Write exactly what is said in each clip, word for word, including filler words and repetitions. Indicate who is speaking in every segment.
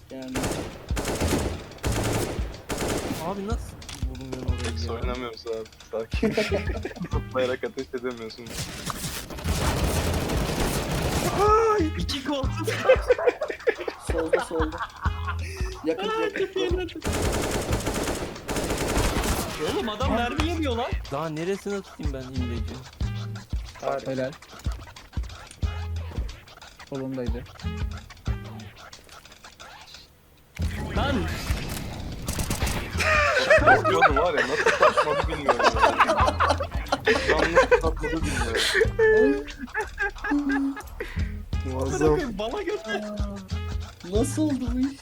Speaker 1: Yani.
Speaker 2: Abi nasıl vurmuyorsun orayı
Speaker 3: Hiç
Speaker 2: ya?
Speaker 3: oynamıyoruz abi. Sakin. Zıplayarak ateş edemiyorsun.
Speaker 4: Ay, iki koltuk.
Speaker 1: Solda solda. Yakın yakın.
Speaker 4: Oğlum adam mermi yemiyor lan.
Speaker 2: Daha neresine tutayım ben imleci?
Speaker 5: Helal. Solundaydı.
Speaker 4: Lan
Speaker 3: Korkuyordum var ya, nasıl saçmadı bilmiyorum ya. Lan nasıl saçmadı bilmiyorum. Muazzam.
Speaker 4: bırakın bana göster.
Speaker 1: Nasıl oldu bu iş?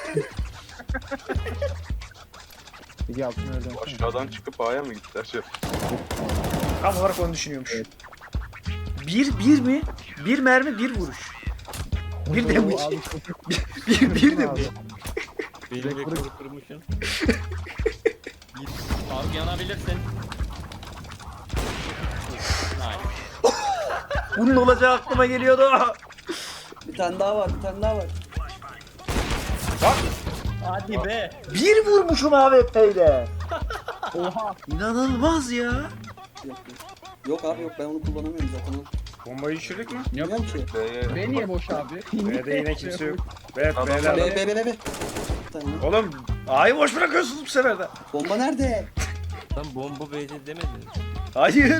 Speaker 5: İki altına öldüm.
Speaker 3: Aşağıdan çıkıp A'ya mı gittiler şey?
Speaker 6: Tam olarak onu düşünüyormuş. Bir, bir mi? Bir mermi, bir vuruş. Bir de bu.
Speaker 5: Abi,
Speaker 6: Bir, bir de bu.
Speaker 2: Benim rekoru kırmışsın.
Speaker 4: Abi yanabilirsin. Hayır.
Speaker 6: Bunun olacağı aklıma geliyordu.
Speaker 1: Bir tane daha var, bir tane daha var.
Speaker 4: Hadi be.
Speaker 6: Bir vurmuşum A W P'yle.
Speaker 5: oha.
Speaker 6: İnanılmaz ya.
Speaker 1: Yok, yok. Yok abi yok, ben onu kullanamıyorum zaten.
Speaker 6: Bombayı düşürdük mü?
Speaker 1: Bilmiyorum ki.
Speaker 3: B'ye
Speaker 5: B niye boş abi?
Speaker 6: B'de yine kimse yok. B,
Speaker 3: Adam-
Speaker 6: B'ler.
Speaker 1: Be be be be be. Bir tane.
Speaker 6: Oğlum A'yı boş bırakıyorsunuz bu sefer de.
Speaker 1: Bomba nerede?
Speaker 2: Lan bomba B'de demedin.
Speaker 6: Hayır.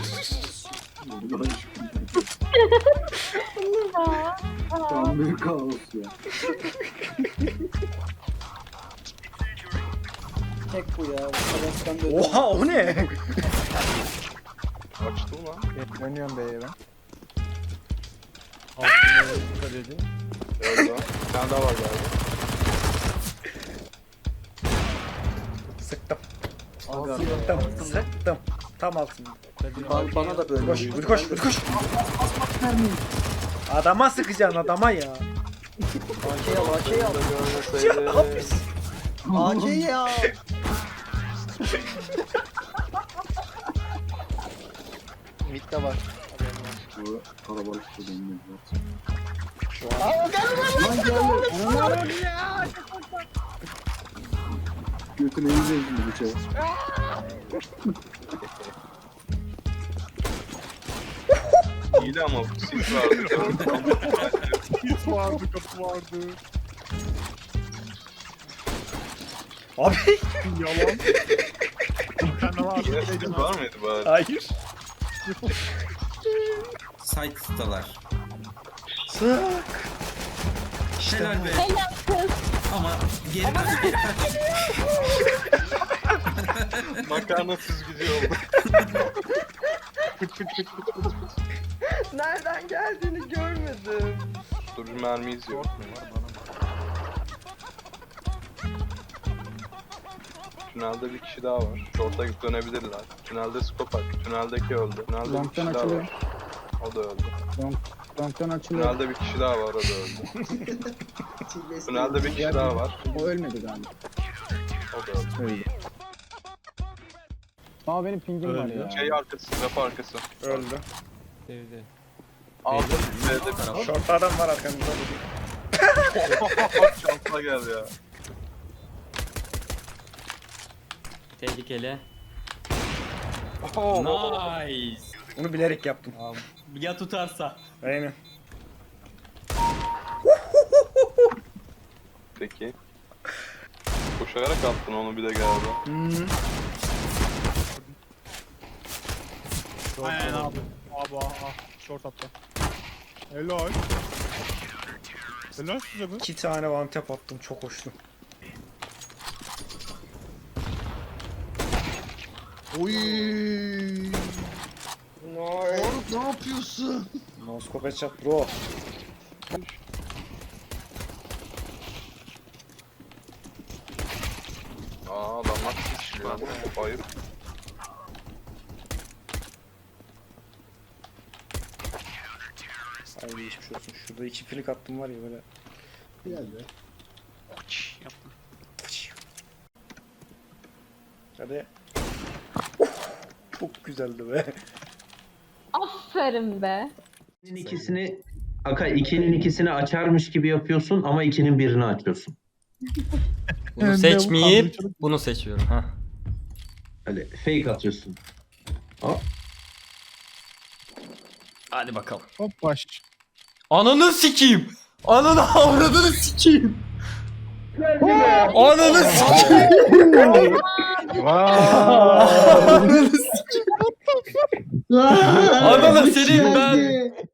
Speaker 1: Tam büyük kaos ya. Tek bu ya. Sabahtan beri.
Speaker 6: Oha o ne?
Speaker 3: açtım lan.
Speaker 5: Dönüyorum B'ye ben.
Speaker 2: Altına dikkat edin.
Speaker 3: Orada. Bir tane daha var galiba.
Speaker 6: Sıktım.
Speaker 1: Aga.
Speaker 6: Sıktım. Sıktım. Tam altında.
Speaker 1: Ba- bana da böyle.
Speaker 6: Koş,
Speaker 1: oluyor.
Speaker 6: hadi koş, hadi koş. Adama sıkacaksın adama ya.
Speaker 1: A K al, A K al.
Speaker 6: Ya hapis.
Speaker 1: A K'yi al.
Speaker 2: Mid'de var.
Speaker 7: Bu kalabalık bir dönüyor.
Speaker 1: Lan geldi.
Speaker 7: Götüne yiyeceğiz şimdi bıçağı.
Speaker 3: İyiydi ama bu sis vardı.
Speaker 5: Hit vardı, kapı vardı.
Speaker 6: Abi.
Speaker 5: Yalan. Sen de var.
Speaker 3: Yine sis var mıydı bari?
Speaker 6: Hayır.
Speaker 8: Site'dalar.
Speaker 6: Sık.
Speaker 8: Helal be. Ama geri kaç geri kaç.
Speaker 3: Makarna süzgücü oldu.
Speaker 9: Nereden geldiğini görmedim.
Speaker 3: Dur bir mermi izliyor. Tünelde bir kişi daha var. Short'a dönebilirler. Tünelde scope at. Tüneldeki öldü. Tünelde bir
Speaker 5: Long'dan
Speaker 3: kişi daha
Speaker 5: açılıyor.
Speaker 3: var. O da öldü.
Speaker 5: Long'dan açılıyor.
Speaker 3: Tünelde bir kişi daha var. O da öldü. Tünelde bir kişi daha var.
Speaker 5: O ölmedi galiba.
Speaker 3: O da öldü.
Speaker 5: Öldü. Ama benim pingim var ya.
Speaker 3: Şey arkası, rap arkası.
Speaker 6: Öldü.
Speaker 2: Evde.
Speaker 3: Aldı. B'de.
Speaker 6: Şortta adam var arkamızda.
Speaker 3: Şansla gel ya.
Speaker 4: Tehlikeli.
Speaker 3: Oh.
Speaker 4: Nice.
Speaker 6: Bunu bilerek yaptım.
Speaker 4: Ya tutarsa.
Speaker 6: Aynen.
Speaker 3: Peki. Koşarak attın onu bir de galiba.
Speaker 6: Hmm.
Speaker 5: Aynen abi. Abi ah. Short attı. Helal. Helal size be.
Speaker 6: İki tane one tap attım, çok hoştu.
Speaker 7: Oy. Faruk ne yapıyorsun?
Speaker 6: Noskop headshot bro.
Speaker 3: Aa adamlar sıçrıyor. Hayır.
Speaker 6: Ay geçmiş olsun. Şurada iki flik attım var ya böyle.
Speaker 7: Geldi.
Speaker 6: Hadi. Çok güzeldi be.
Speaker 9: Aferin be.
Speaker 10: İkisini Aka ikinin ikisini açarmış gibi yapıyorsun ama ikinin birini açıyorsun. Bunu seçmeyip bunu seçiyorum ha.
Speaker 7: Hani fake atıyorsun.
Speaker 10: Hadi bakalım.
Speaker 5: Hop baş.
Speaker 10: Ananı sikeyim. Ananı avradını sikeyim. Ananı sikeyim. Ananı sikeyim. Adana senin ben